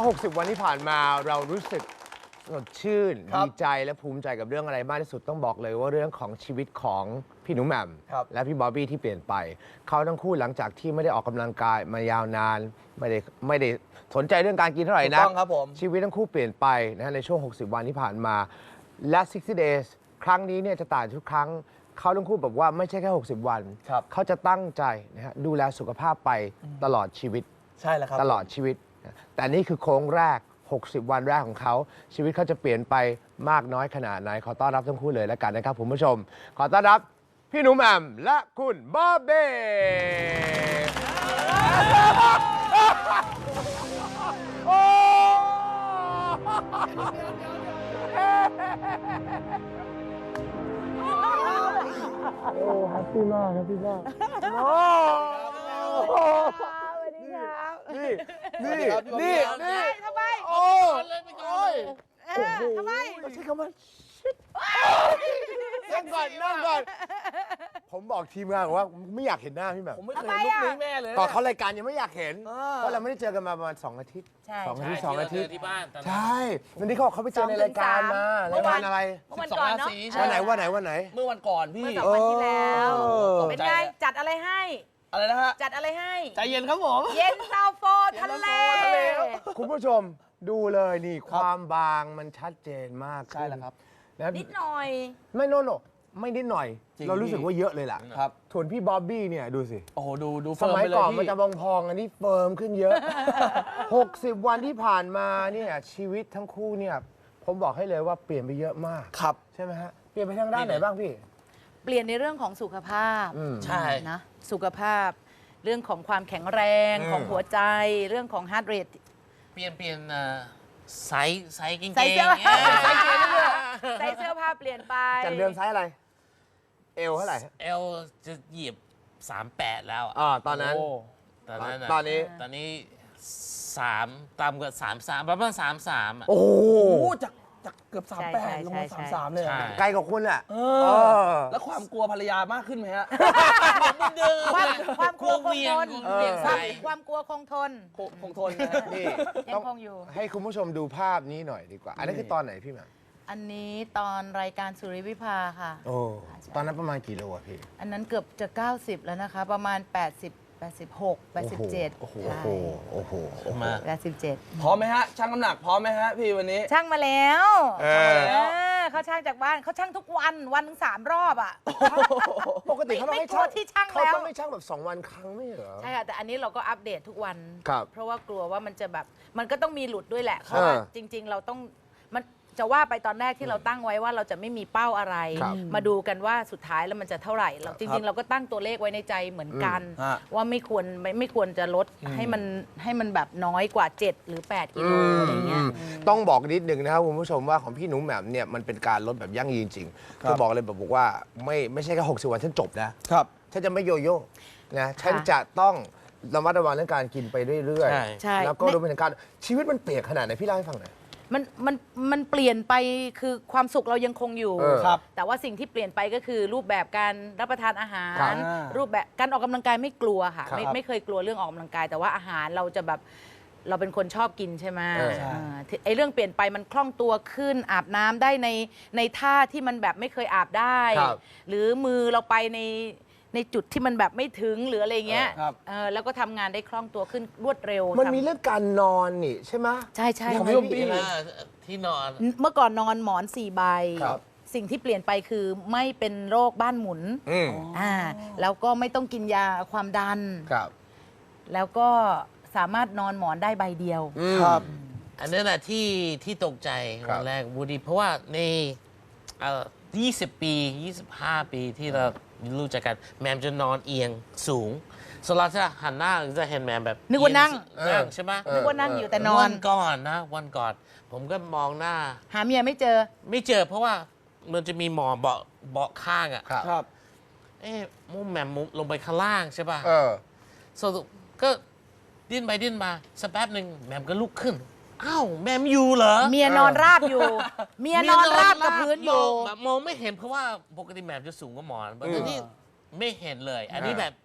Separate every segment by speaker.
Speaker 1: 60 วันที่ผ่านมาเรารู้สึกสดชื่นดีใจและภูมิใจกับเรื่องอะไรมากที่สุดต้องบอกเลยว่าเรื่องของชีวิตของพี่หนูแหม่มและพี่บอบบี้ที่เปลี่ยนไปเขาทั้งคู่หลังจากที่ไม่ได้ออกกำลังกายมายาวนานไม่ได้สนใจเรื่องการกินเท่าไหร่นะชีวิตทั้งคู่เปลี่ยนไปนะในช่วง60 วันที่ผ่านมาและ 60 days ครั้งนี้เนี่ยจะต่างทุกครั้งเขาทั้งคู่บอกว่าไม่ใช่แค่60 วันเขาจะตั้งใจนะฮะดูแลสุขภาพไปตลอดชีวิต
Speaker 2: ใช่แล้วครับ
Speaker 1: ตลอดชีวิตแต่นี่คือโค้งแรก60 วันแรกของเขาชีวิตเขาจะเปลี่ยนไปมากน้อยขนาดไหนขอต้อนรับทั้งคู่เลยแล้วกันนะครับคุณผู้ชมขอต้อนรับพี่หนูแหม่มและคุณบอบบี้โอ้
Speaker 2: แฮปปี้มากแฮปปี้มาก
Speaker 1: นี่
Speaker 3: ทำไม
Speaker 1: โอ้ย
Speaker 3: ทำไม
Speaker 1: ใช้คำว่านั่งก่อนผมบอกทีมงานว่าไม่อยากเห็นหน้าพี่แหม่ม
Speaker 2: ผมไม่เคยลุกนี้แม่เลย
Speaker 1: ตอนเขารายการยังไม่อยากเห็นเพราะเราไม่ได้เจอกันมาประมาณ2 อาทิตย์2 อาทิตย์
Speaker 4: ที่บ้าน
Speaker 1: ใช่วันนี้เขาไปเจอในรายการมารายการอะไร
Speaker 3: วันก่อนเนาะ
Speaker 1: วันไหน
Speaker 2: เมื่อวันก่อนพี่
Speaker 3: เมื่อ2 วันที่แล้วเป็นไงจัดอะไรให้
Speaker 2: อะไรนะฮะ
Speaker 3: จัดอะไรให้
Speaker 2: ใจเย็นครับผม
Speaker 3: เย็นซาโฟทะเล
Speaker 1: คุณผู้ชมดูเลยนี่ความบางมันชัดเจนมาก
Speaker 2: ใช่แล้วครับ
Speaker 3: นิดหน่อย
Speaker 1: ไม่ไม่นิดหน่อยเรารู้สึกว่าเยอะเลยล่ะ
Speaker 2: ครับ
Speaker 1: ส่วนพี่บ๊อบบี้เนี่ยดูสิ
Speaker 2: โอ้โหดู
Speaker 1: สมัยก่อนมันจะพองอันนี้เฟิร์มขึ้นเยอะ60 วันที่ผ่านมาเนี่ยชีวิตทั้งคู่เนี่ยผมบอกให้เลยว่าเปลี่ยนไปเยอะมาก
Speaker 2: ครับ
Speaker 1: ใช่ไหมฮะเปลี่ยนไปทางด้านไหนบ้างพี่
Speaker 3: เปลี่ยนในเรื่องของสุขภาพ
Speaker 2: ใช่
Speaker 3: นะสุขภาพเรื่องของความแข็งแรง ของหัวใจเรื่องของฮาร์ทเรท
Speaker 4: เปลี่ยนไซส์กิ้ง
Speaker 3: ใส่เสื้อใส่เสื้อผ้าเปลี่ยนไป
Speaker 1: จากเดิมไซส์อะไรเอลเท่าไหร่
Speaker 4: เอลจะเหยียบ38แล้ว
Speaker 1: ตอนนั้นตอน
Speaker 4: นี้3ต่ำกว่า33ประมาณ33
Speaker 1: โอ้
Speaker 2: จากเกือบ38ลงมา33เลย
Speaker 1: ไกลกว่าคุณแหละ
Speaker 2: แล้วความกลัวภรรยามากขึ้นไหมฮะ
Speaker 3: ความกลัวคงทนความกลัวคงทน
Speaker 1: นี่
Speaker 3: ยังคงอยู่
Speaker 1: ให้คุณผู้ชมดูภาพนี้หน่อยดีกว่าอันนี้คือตอนไหนพี่แหม่ม
Speaker 3: อันนี้ตอนรายการสุริวิภาค่ะ
Speaker 1: โอ้ตอนนั้นประมาณกี่โลอะพี่
Speaker 3: อันนั้นเกือบจะ90แล้วนะคะประมาณ86 87
Speaker 1: โอ้โห
Speaker 3: มา87
Speaker 2: พร้อมไหมฮะช่างน้ำหนักพร้อมไหมฮะพี่วันนี้
Speaker 3: ช่างมาแล้วเขาช่างจากบ้านเขาช่างทุกวันถึง3 รอบอ่ะ
Speaker 1: ปกติเขาต้องให้ช่าง
Speaker 3: ที่ช่าง
Speaker 1: เขาต้องไม่ช่างแบบ2 วันครั้งไม่เหรอ
Speaker 3: ใช่ค่ะแต่อันนี้เราก็อัปเดตทุกวันเพราะว่ากลัวว่ามันจะแบบมันก็ต้องมีหลุดด้วยแหละเพราะว่าจริงๆเราต้องมันจะว่าไปตอนแรกที่เราตั้งไว้ว่าเราจะไม่มีเป้าอะไรมาดูกันว่าสุดท้ายแล้วมันจะเท่าไหร่เราจริงๆเราก็ตั้งตัวเลขไว้ในใจเหมือนกันว่าไม่ควรจะลดให้มันแบบน้อยกว่า7 หรือ 8 กิโลอะไรเงี้ย
Speaker 1: ต้องบอกนิดนึงนะครับคุณผู้ชมว่าของพี่หนูแหม่มเนี่ยมันเป็นการลดแบบยั่งยืนจริงคือบอกเลยบอกว่าไม่ใช่แค่60 วันฉันจบนะครับฉันจะไม่โยโย่นะฉันจะต้องระมัดระวังเรื่องการกินไปเรื่อยๆแล้วก็รวมไปถึงการชีวิตมันเปลี่ยนขนาดไหนพี่เล่าให้ฟังหน่อย
Speaker 3: มันเปลี่ยนไปคือความสุขเรายังคงอยู่แต่ว่าสิ่งที่เปลี่ยนไปก็คือรูปแบบการรับประทานอาหารรูปแบบการออกกำลังกายไม่กลัวค่ะไม่เคยกลัวเรื่องออกกำลังกายแต่ว่าอาหารเราจะแบบเราเป็นคนชอบกินใช่ไหมไอ้เรื่องเปลี่ยนไปมันคล่องตัวขึ้นอาบน้ำได้ในท่าที่มันแบบไม่เคยอาบได้หรือมือเราไปในจุดที่มันแบบไม่ถึงหรืออะไรเงี้ยแล้วก็ทำงานได้คล่องตัวขึ้นรวดเร็ว
Speaker 1: มันมีเรื่องการนอนนี่ใช่ไหม
Speaker 3: ใช่
Speaker 4: ของพี่ที่นอน
Speaker 3: เมื่อก่อนนอนหมอน4 ใบสิ่งที่เปลี่ยนไปคือไม่เป็นโรคบ้านหมุนแล้วก็ไม่ต้องกินยาความดันแล้วก็สามารถนอนหมอนได้ใบเดียว
Speaker 4: อันนั้นแหละที่ตกใจวันแรกวูดี้เพราะว่าใน20 ปี 25 ปีที่เรารู้จักกันแมมจะนอนเอียงสูงสลัดจะหันหน้าจะเห็นแมมแบบ
Speaker 3: นึกว่านั่ง
Speaker 4: ใช่ไหม
Speaker 3: นึกว่านั่งอยู่แต่นอน
Speaker 4: วันก่อนผมก็มองหน้า
Speaker 3: หาเมียไม่เจอ
Speaker 4: เพราะว่ามันจะมีหมอเบาะข้างอ่ะ
Speaker 2: ครับ
Speaker 4: มุมแมมลงไปข้างล่างใช่ป่ะสรุปก็ดิ้นไปดิ้นมาสักแป๊บหนึ่งแมมก็ลุกขึ้นอ้าวแมมอยู่เหรอ
Speaker 3: เมียนอนราบอยู่เมียนอนราบกับพื้นอยู่
Speaker 4: มองไม่เห็นเพราะว่าปกติแมมจะสูงกว่าหมอนแต่นี่ไม่เห็นเลยอันนี้แบบ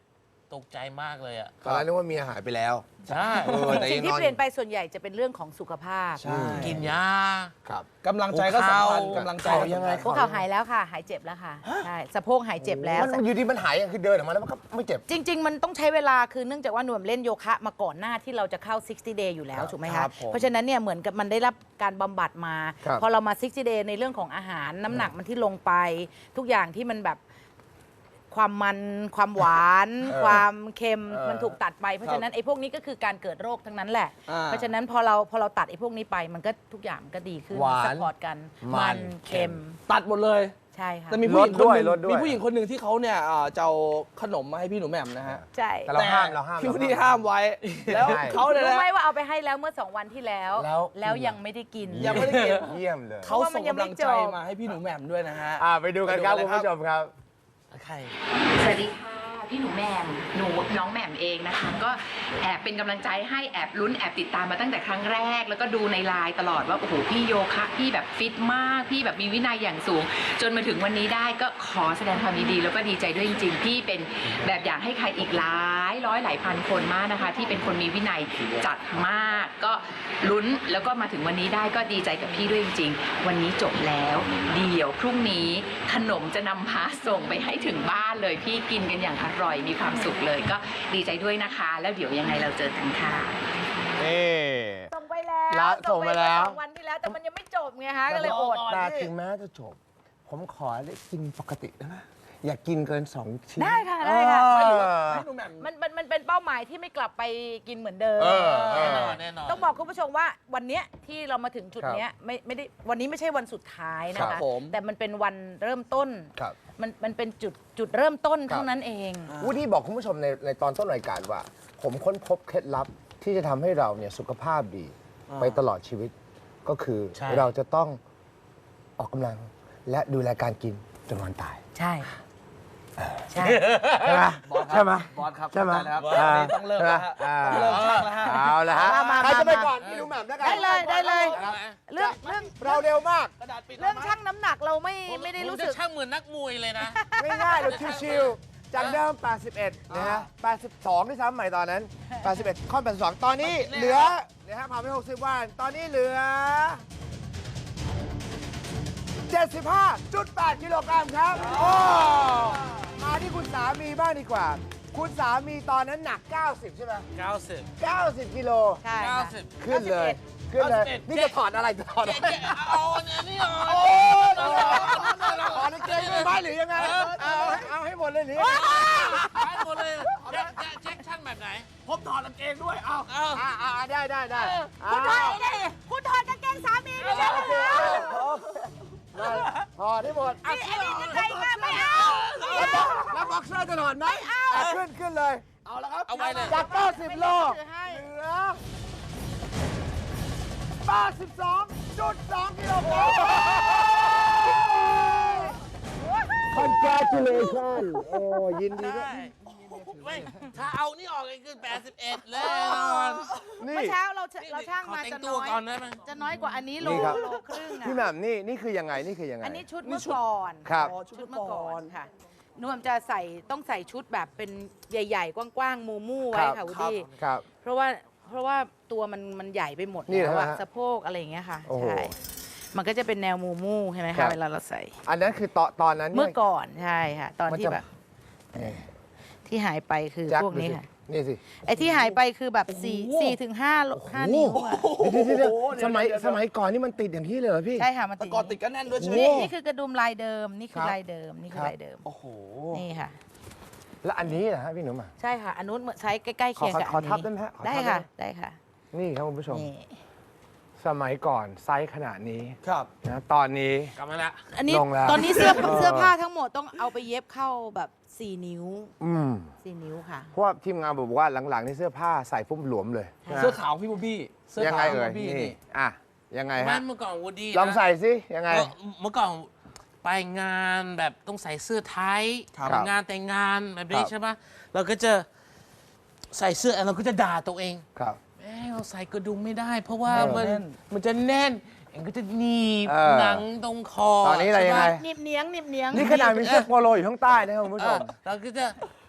Speaker 4: ตกใจมากเลยอ่ะ
Speaker 1: ตอนแรกนึกว่าเมียหายไปแล้ว
Speaker 4: ใช่
Speaker 1: แต่
Speaker 3: สิ่
Speaker 1: ยัง
Speaker 3: งที่
Speaker 1: นอน
Speaker 3: เปลี่ยนไปส่วนใหญ่จะเป็นเรื่องของสุขภาพ
Speaker 2: ใช่
Speaker 4: กินยา
Speaker 1: ครับ
Speaker 2: กำลังใจก็สำคัญ
Speaker 4: หัวเข่า
Speaker 2: กำลังใจ
Speaker 1: เขายังไง
Speaker 3: พวกเขาหายแล้วค่ะ หายเจ็บแล้วค่ะ ใช่ สะโพกหายเจ็บแล้ว
Speaker 1: มันอยู่ดีมันหายคือเดินออกมาแล้วมันก็ไม่เจ็บ
Speaker 3: จริง ๆ มันต้องใช้เวลา คือเนื่องจากว่าหน่วมเล่นโยคะมาก่อนหน้าที่เราจะเข้า 60 day อยู่แล้วถูกไหม
Speaker 2: ครั
Speaker 3: คะ
Speaker 2: บผม
Speaker 3: เพราะฉะนั้นเนี่ยเหมือนกับมันได้รับการบำบัดมา
Speaker 1: ครับ
Speaker 3: พอเรามา 60 day ในเรื่องของอาหารน้ำหนักมันที่ลงไป ทุกอย่างที่มันแบบความมันความหวาน ความเค็มมันถูกตัดไป เพราะฉะนั้นไอ้พวกนี้ก็คือการเกิดโรคทั้งนั้นแหละ เพราะฉะนั้นพอเราตัดไอ้พวกนี้ไปมันก็ทุกอย่างมันก็ดีขึ้น
Speaker 1: หวาน
Speaker 3: สปอร์ตกัน
Speaker 1: มัน
Speaker 3: เค็ม
Speaker 2: ตัดหมดเลย
Speaker 3: ใช่ค่ะ
Speaker 2: แต่มีผู้หญิงคนหนึ่ง
Speaker 1: ลดด้วย
Speaker 2: มีผู้หญิงคนหนึ่งที่เขาเนี่ยจะเอาขนมมาให้พี่หนูแหม่มนะฮะ
Speaker 3: ใช่
Speaker 1: แต่เราห้ามเราห้าม
Speaker 2: พี่วูดดี้ห้ามไว้ แล้ว
Speaker 1: ใช่
Speaker 2: เขาเนี่ย
Speaker 3: รู้
Speaker 2: นะ
Speaker 3: ไหมว่าเอาไปให้แล้วเมื่อ 2 วันที่แล้ว
Speaker 1: แล้ว
Speaker 3: ยังไม่ได้กิน
Speaker 2: ยังไม่ได้กิน
Speaker 1: เยี่ยมเลย
Speaker 2: เขา
Speaker 3: เพราะว่ามั
Speaker 2: ส่
Speaker 3: น
Speaker 2: ง
Speaker 3: ยัง
Speaker 2: กำ
Speaker 3: ไม่
Speaker 2: ลัง
Speaker 3: จ
Speaker 2: ใจ
Speaker 3: บ
Speaker 2: มาให้พี่หนูแหม่มด้วยนะฮะ
Speaker 1: ไปดูกันครับ
Speaker 2: ไปดู
Speaker 1: คุณ
Speaker 2: กันเลยครับ
Speaker 1: ผู้ชมครับ
Speaker 4: ใคร
Speaker 5: สวัสดีค่ะพี่หนูแหม่มน้องแหม่มเองนะคะก็แอบเป็นกำลังใจให้แอบลุ้นแอบติดตามมาตั้งแต่ครั้งแรก แล้วก็ดูในไลน์ตลอดว่าโอ้โหพี่โยคะพี่แบบฟิตมากพี่แบบมีวินัยอย่างสูง จนมาถึงวันนี้ได้ก็ขอแสดงความยินดีแล้วก็ดีใจด้วยจริงๆพี่เป็นแบบอย่างให้ใครอีกหลายร้อยหลายพันคนมากนะคะ ที่เป็นคนมีวินัยจัดมาก ก็ลุ้นแล้วก็มาถึงวันนี้ได้ก็ดีใจกับพี่ด้วยจริงๆวันนี้จบแล้วเดี๋ยวพรุ่งนี้ขนมจะนำพาส่งไปให้ถึงบ้านเลยพี่กินกันอย่างอร่อยมีความสุขเลยก็ดีใจด้วยนะคะ แล้วเดี๋ยวยังไงเราเจอกันค่ะ
Speaker 1: นี่
Speaker 3: ส่งไปแล้ว
Speaker 1: แล้วส่งไปแล้ว
Speaker 3: 2 วันที่แล้วแต่มันยังไม่จบไงคะก็เลยอด
Speaker 1: แต่ถึงแม้จะจบ ผมขอได้กินปกติได้ไหมอย่ากินเกิน 2 ชิ้น
Speaker 3: ได้ค่ะได้ค่ะ
Speaker 2: พี่หนูแหม่ม
Speaker 3: มันเป็นเป้าหมายที่ไม่กลับไปกินเหมือนเดิม
Speaker 4: แน่นอนแน่นอน
Speaker 3: ต้องบอกคุณผู้ชมว่าวันเนี้ยที่เรามาถึงจุดเนี้ยไม่ได้วันนี้ไม่ใช่วันสุดท้ายนะ
Speaker 2: ครั
Speaker 3: คะ
Speaker 2: บผม
Speaker 3: แต่มันเป็นวันเริ่มต้น
Speaker 1: ครับ
Speaker 3: มันเป็นจุดเริ่มต้น
Speaker 1: ครับ
Speaker 3: เท่านั้นเอง
Speaker 1: วูดดี้บอกคุณผู้ชมในตอนต้นรายการว่า ผมค้นพบเคล็ดลับที่จะทำให้เราเนี่ยสุขภาพดีไปตลอดชีวิต ก็คือ
Speaker 4: ใช่
Speaker 1: เราจะต้องออกกำลังและดูแลการกินจนวันตาย
Speaker 3: ใช่ใช่
Speaker 1: ใช่ไหม
Speaker 2: บอสครับ
Speaker 1: ใช่ไหม
Speaker 2: บอสครับ
Speaker 1: ใช่ไหม
Speaker 2: เข้าใจแล้วครับวันนี้ต้องเริ่มแล้วฮะ
Speaker 1: อ่า
Speaker 2: ต้องเริ่มช่างแล้วฮะ
Speaker 1: เอาละฮะ
Speaker 3: มา
Speaker 1: ใครจะไปก่อนพี่หนูแหม่มแล้วกัน
Speaker 3: ได้เลยได้เลย
Speaker 1: ครับ
Speaker 3: เรื่อง
Speaker 1: เราเร็วมาก
Speaker 2: กระดาษปิด
Speaker 3: เรื่องชั่งน้ำหนักเราไม่ได้รู้สึก
Speaker 4: ผมจะช่างเหมือนนักมวยเลยนะ
Speaker 1: ง่ายๆเราชิวๆจากเดิม 81 นะฮะ 82ที่ซ้ำใหม่ตอนนั้น 81 ข้อ82 ตอนนี้เหลือนะฮะผ่านไป60 วัน ตอนนี้เหลือ 75.8 กิโลกรัมครับ โอ้ มาที่คุณสามีบ้างดีกว่า คุณสามีตอนนั้นหนัก 90 ใช่ไหม
Speaker 4: 90
Speaker 1: 90 กิโล
Speaker 3: ใช่ค่ะ
Speaker 4: 90
Speaker 1: ขึ้นเลย ขึ้นเลย
Speaker 4: 91
Speaker 1: นี่จะถอดอะไรจะถอดอะไร
Speaker 4: เอาอันนี้ออก
Speaker 1: โอ้ถอดกางเกงด้วยไหมหรือยังไง เอาให้หมดเลยหรือยังไง
Speaker 4: ไปหมดเลยเช็คช่างแบบไหน
Speaker 2: ผมถอดกางเกงด้วย เอา
Speaker 4: เอา
Speaker 1: ได้
Speaker 3: คุณถอดกางเกงสามีไม่ใช่เหรอ
Speaker 1: ถอดให้หมด
Speaker 3: นี่อันนี้ยังไงคะไม่เอา
Speaker 1: แล้วบ็อกเซอร์จะถอดไหมขึ้นเลย
Speaker 2: เอาแล้วครับ
Speaker 4: เอาไว้เลย
Speaker 1: จาก 90 โล เหลือ 82.2 กิโลกรัม Congratulations โอ้ยินดีด้วย
Speaker 4: ไม่ถ้าเอานี่ออกก็คือ81แล้วนอน
Speaker 1: นี่
Speaker 3: เมื่อเช้าเราช่างมา
Speaker 4: ขอแต่
Speaker 3: จะ
Speaker 4: งตั
Speaker 3: น้
Speaker 4: ว
Speaker 3: อย
Speaker 4: ก่อนได้ไหม
Speaker 3: จะน้อยกว่าอันนี้โล
Speaker 1: นี่ครับ
Speaker 3: ครึ่งอะ
Speaker 1: พี่แหม่มนี่คือยังไง นี่คือยังไง
Speaker 3: อันนี้ชุดเมื่อก่อน
Speaker 1: ครับ
Speaker 3: ชุดเมื่อก่อนค่ะนวมจะต้องใส่ชุดแบบเป็นใหญ่ๆ กว้างๆ มูๆไว้ค่ะวุฒิ
Speaker 1: ครับ
Speaker 3: เพราะว่าตัวมันใหญ่ไปหมด
Speaker 1: นี่
Speaker 3: แล้ว
Speaker 1: เหรอ
Speaker 3: อะ
Speaker 1: ฮะ
Speaker 3: สะโพกอะไรอย่างเงี้ยค่ะ
Speaker 1: โอ้โห
Speaker 3: ใช่มันก็จะเป็นแนวมูๆใช่ไหม
Speaker 1: ครั
Speaker 3: คะ
Speaker 1: บ
Speaker 3: เวลาเราใส่
Speaker 1: อันนั้นคือตอนนั้น
Speaker 3: เมื่อก่อนใช่ค่ะ ตอน
Speaker 1: มัน
Speaker 3: ที่
Speaker 1: จะ
Speaker 3: แบบที่หายไปคือ
Speaker 1: แจ็ค
Speaker 3: พวกนี้
Speaker 1: ดูสิ
Speaker 3: ค่ะ
Speaker 1: นี่สิ
Speaker 3: ไอ้ที่หายไปคือแบบ4 ถึง 5 นิ้วอะ
Speaker 1: เดี๋ยวสมัยก่อนนี่มันติดอย่างที่เลยเหรอพี่
Speaker 3: ใช่ค่ะมัน
Speaker 2: แต่
Speaker 3: ติด
Speaker 2: ก่อนติดกันแน่นด้วยใช่ไหม
Speaker 3: นี่คือกระดุมลายเดิมนี่คือ
Speaker 1: ครับ
Speaker 3: ลายเดิมนี่คือ
Speaker 1: ครับ
Speaker 3: ลายเดิม
Speaker 2: โอ้โห
Speaker 3: นี่ค่ะ
Speaker 1: แล้วอันนี้นะฮะพี่หนุ่มอ่ะ
Speaker 3: ใช่ค่ะอันนู้นใช้ใกล้ๆเคียงกับ
Speaker 1: ขอ
Speaker 3: อัน
Speaker 1: ทับ
Speaker 3: นี้
Speaker 1: ได้ไหมฮะขอทับ
Speaker 3: ได้
Speaker 1: ได้ไหม
Speaker 3: ค่ะได้ค่ะ
Speaker 1: นี่ครับคุณผู้ชม
Speaker 3: นี่
Speaker 1: สมัยก่อนไซส์ขนาดนี้
Speaker 2: ครับ
Speaker 1: นะตอนนี้
Speaker 4: กลับมาละ
Speaker 3: อันนี้
Speaker 1: ลงแล้ว
Speaker 3: ตอนนี้เสื้อผ้าทั้งหมดต้องเอาไปเย็บเข้าแบบ4 นิ้ว 4 นิ้วค่ะ
Speaker 1: เพราะว่าทีมงานบอกว่าหลังๆนี่เสื้อผ้าใส่ปุ๊บหลวมเลย
Speaker 3: ค่ะ
Speaker 1: นะ
Speaker 2: เสื้อขาวพี่บูบี้ เสื้อ
Speaker 1: ยัง
Speaker 2: ขา
Speaker 1: ไง
Speaker 2: วพี่
Speaker 1: เอ่ย
Speaker 2: บูบี้
Speaker 1: นี่
Speaker 2: นี่
Speaker 1: อ่ะยังไง
Speaker 4: มั
Speaker 1: ฮะ
Speaker 4: นเมื่อก่อนวูดดี้นะ
Speaker 1: ลองใส่สิยังไง
Speaker 4: เมื่อก่อนไปงานแบบต้องใส่เสื้อไทย
Speaker 1: ครับ
Speaker 4: ไปงานแต่งงานแบบนี้
Speaker 1: ครับ
Speaker 4: ใช่ปะเราก็จะใส่เสื้อแล้วเราก็จะด่าตัวเอง
Speaker 1: ครับ
Speaker 4: แม่เราใส่กระดุมไม่ได้ เพราะว่า
Speaker 1: แน่น
Speaker 4: มันจะแน่นเองก็จะหนีบ
Speaker 1: เออ
Speaker 4: หนังตรงคอ
Speaker 1: ตอนนี้อะไรยังไง
Speaker 3: หนิบเนียง
Speaker 1: นี่ขนาดมีเสื้อโปโลอยู่ข้างใต้นะครับคุณผู้ช
Speaker 4: เออ
Speaker 1: ม
Speaker 4: เราก็จะ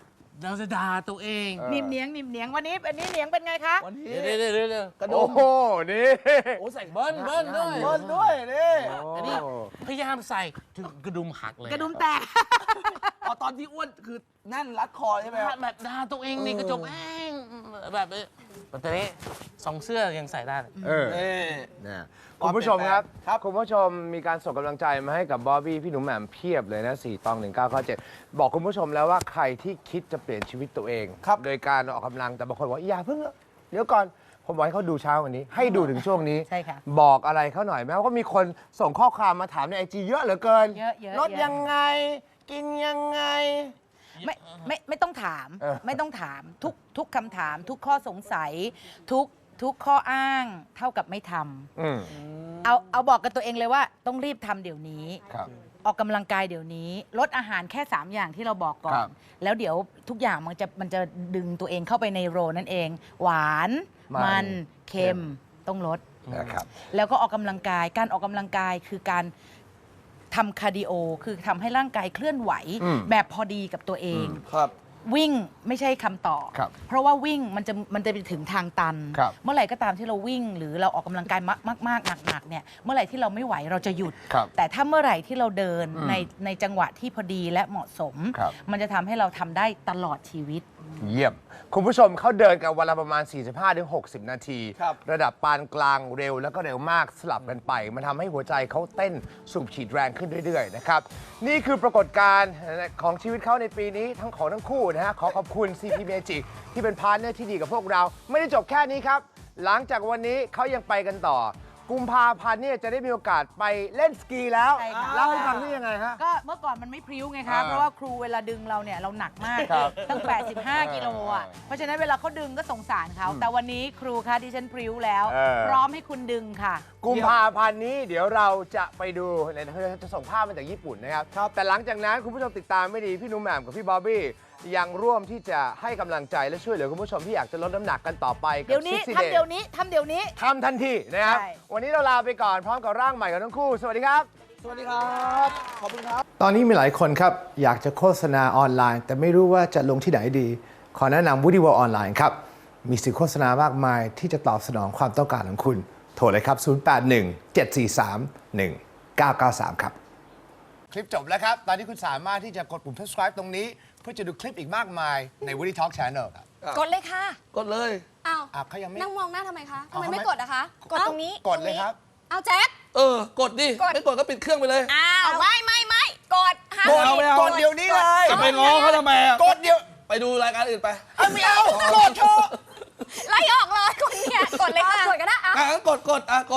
Speaker 4: เราจะด่าตัวเอง
Speaker 3: นิ่มเนียงนิ่มเนียงวันนี้เนียงเป็นไงคะ
Speaker 2: วันนี้
Speaker 4: เดี๋ยว
Speaker 2: กระดุ
Speaker 1: โอ้
Speaker 2: ม
Speaker 1: โห นี่
Speaker 4: โอ้ใส่เบิ้ลด้วย
Speaker 2: เบิ้ลด้วยนี่
Speaker 4: อันนี้พยายามใส่ถึงกระดุมหักเลย
Speaker 3: กระดุมแตก
Speaker 2: อ๋อตอนที่อ้วนคือแน่นรัดคอใช่ไหมครับ
Speaker 4: แบบด่าตัวเองในกระจกเองแบบตอนนี้สองเสื้อยังใส่ได้เลย
Speaker 1: เออ
Speaker 2: นี่
Speaker 1: นะคุณผู้ชมครับ
Speaker 2: ครับ
Speaker 1: คุณผู้ชมมีการส่งกำลังใจมาให้กับบอบบี้พี่หนุ่มแหม่มเพียบเลยนะ4 ตอง 1997 บอกคุณผู้ชมแล้วว่าใครที่คิดจะเปลี่ยนชีวิตตัวเอง
Speaker 2: ครับ
Speaker 1: โดยการออกกำลังแต่บางคนบอกอย่าเพิ่งเดี๋ยวก่อนผมบอกให้เขาดูเช้าวันนี้ ให้ดูถึงช่วงนี้
Speaker 3: ใช่ค่ะ
Speaker 1: บอกอะไรเขาหน่อยไหมว่าก็มีคนส่งข้อความมาถามในไอจีเยอะเหลือเกิน
Speaker 3: เยอะๆ
Speaker 1: ลดยังไง กินยังไง
Speaker 3: ไม่ต้องถาม
Speaker 1: เออ
Speaker 3: ไม่ต้องถามทุกคำถาม ทุกข้อสงสัย ทุกข้ออ้างเท่ากับไม่ทำ
Speaker 1: อืม
Speaker 3: เอาบอกกับตัวเองเลยว่าต้องรีบทำเดี๋ยวนี้
Speaker 1: ครับ
Speaker 3: ออกกำลังกายเดี๋ยวนี้ ลดอาหารแค่ 3 อย่างที่เราบอกก่อ
Speaker 1: ครั
Speaker 3: น
Speaker 1: บ
Speaker 3: แล้วเดี๋ยวทุกอย่างมันจะดึงตัวเองเข้าไปในโรนั่นเอง หวาน มันเค็มต้องลด
Speaker 1: นะครับ
Speaker 3: แล้วก็ออกกำลังกาย การออกกำลังกายคือการทำคาร์ดิโอ คือทำให้ร่างกายเคลื่อนไหว
Speaker 1: อืม
Speaker 3: แบบพอดีกับตัวเอง
Speaker 2: ครับ
Speaker 3: วิ่งไม่ใช่คำตอบ
Speaker 1: ครับ
Speaker 3: เพราะว่าวิ่งมันจะไปถึงทางตัน
Speaker 1: ครับ
Speaker 3: เมื่อไหร่ก็ตามที่เราวิ่ง หรือเราออกกำลังกายมากๆหนักๆเนี่ย เมื่อไหร่ที่เราไม่ไหวเราจะหยุด
Speaker 1: ครับ
Speaker 3: แต่ถ้าเมื่อไหร่ที่เราเดิน
Speaker 1: อืม
Speaker 3: ในจังหวะที่พอดีและเหมาะสม
Speaker 1: ครับ
Speaker 3: มันจะทำให้เราทำได้ตลอดชีวิต
Speaker 1: เยี่ยม คุณผู้ชมเขาเดินกันวันละประมาณ 45-60 นาที
Speaker 2: ครับ
Speaker 1: ระดับปานกลางเร็วแล้วก็เร็วมากสลับกันไป มันทำให้หัวใจเขาเต้นสูบฉีดแรงขึ้นเรื่อยๆนะครับ นี่คือปรากฏการณ์ของชีวิตเขาในปีนี้ทั้งของทั้งคู่นะฮะ ขอขอบคุณ CP Magic ที่เป็นพาร์ทเนอร์ที่ดีกับพวกเรา ไม่ได้จบแค่นี้ครับ หลังจากวันนี้เขายังไปกันต่อ กุมภาพันธ์เนี่ยจะได้มีโอกาสไปเล่นสกีแล้ว
Speaker 3: ใช่ค่ะ
Speaker 1: เล่าให้ฟังได้ยังไงฮะ
Speaker 3: ก็เมื่อก่อนมันไม่พริ้วไงคะ
Speaker 1: อ่า
Speaker 3: เพราะว่าครูเวลาดึงเราเนี่ยเราหนักมาก
Speaker 1: ครับ
Speaker 3: ตั้ง 85 กิโลอ่ะ เพราะฉะนั้นเวลาเขาดึงก็สงสารเขา แต่วันนี้ครูคะดิฉันพริ้วแล้ว
Speaker 1: เออ
Speaker 3: พร้อมให้คุณดึงค่ะ
Speaker 1: กุมภาพันธ์นี้เดี๋ยวเราจะไปดูจะส่งภาพมาจากญี่ปุ่นนะครับ แต่หลังจากนั้นคุณผู้ชมติดตามไม่ดีพี่หนุ่มแหม่มกับพี่บอบบี้ยังร่วมที่จะให้กำลังใจและช่วยเหลือคุณผู้ชมที่อยากจะลดน้ำหนักกันต่อไปกับ
Speaker 3: เดี๋ยวนี้
Speaker 1: 60
Speaker 3: ทำเดี๋ยวนี้ทำเดี๋ยวนี้
Speaker 1: ทำทันทีนะครับ
Speaker 3: ใช่
Speaker 1: วันนี้เราลาไปก่อนพร้อมกับร่างใหม่ของทั้งคู่ สวัสดีครับ
Speaker 2: สวัสดีครับ ขอบคุณครับ
Speaker 1: ตอนนี้มีหลายคนครับอยากจะโฆษณาออนไลน์ แต่ไม่รู้ว่าจะลงที่ไหนดี ขอแนะนำ Woody World ออนไลน์ครับ มีสื่อโฆษณามากมายที่จะตอบสนองความต้องการของคุณ โทรเลยครับ 081-743-1993 ครับ คลิปจบแล้วครับ ตอนนี้คุณสามารถที่จะกดปุ่ม subscribe ตรงนี้ เพื่อจะดูคลิปอีกมากมายใน Woody Talk Channel ครับ
Speaker 6: กดเลยค่ะ
Speaker 2: กดเลย
Speaker 6: อ้าว
Speaker 1: เขายังไม่
Speaker 6: นั่งมองหน้าทำไมคะทำ
Speaker 1: เอา
Speaker 6: ไม
Speaker 1: ทำไม
Speaker 6: ไม่กดอะคะ กด
Speaker 1: เอ้า
Speaker 6: ตรงนี้
Speaker 1: กดเลยครับ
Speaker 6: เอาแจ็ค
Speaker 2: กดดิ
Speaker 6: กด
Speaker 2: ไม่กดก็ปิดเครื่องไปเลย
Speaker 6: อ้าวไม่กดห้าม
Speaker 2: กดเอา
Speaker 6: ผิ
Speaker 2: ไม่เอา
Speaker 1: กดเดี๋ยวนี้เลย
Speaker 2: จะไปง้อเขาทำไมอะ
Speaker 1: กดเดี๋ยว
Speaker 2: ไปดูรายการอื่นไป
Speaker 1: ไม่เอากดเถอะ
Speaker 6: ไล่ออกเลยคนเนี่ยกดเลยค่ะ กดก็ได้
Speaker 2: งั้นกด